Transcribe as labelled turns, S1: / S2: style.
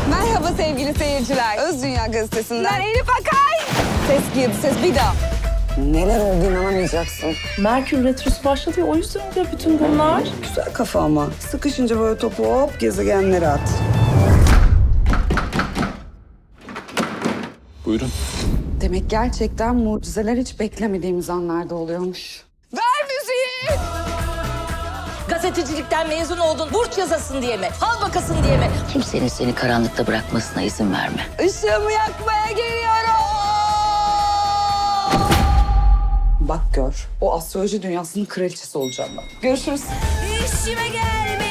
S1: Merhaba sevgili seyirciler. Öz Dünya Gazetesi'nden Elif Akay. Ses girdi, ses bir daha. Neler oldu inanamayacaksın.
S2: Merkür Retrosu başladı ya, o yüzden oluyor bütün bunlar.
S1: Güzel kafa ama. Sıkışınca böyle topu hop gezegenlere at.
S3: Buyurun.
S1: Demek gerçekten mucizeler hiç beklemediğimiz anlarda oluyormuş. Ver müziği!
S4: Gazetecilikten mezun oldun, burç yazasın diye mi? Fal bakasın diye mi?
S5: Kimsenin seni karanlıkta bırakmasına izin verme.
S1: Işığımı yakmaya geliyorum! Bak gör, o astroloji dünyasının kraliçesi olacağım ben. Görüşürüz.
S4: İşime gelme.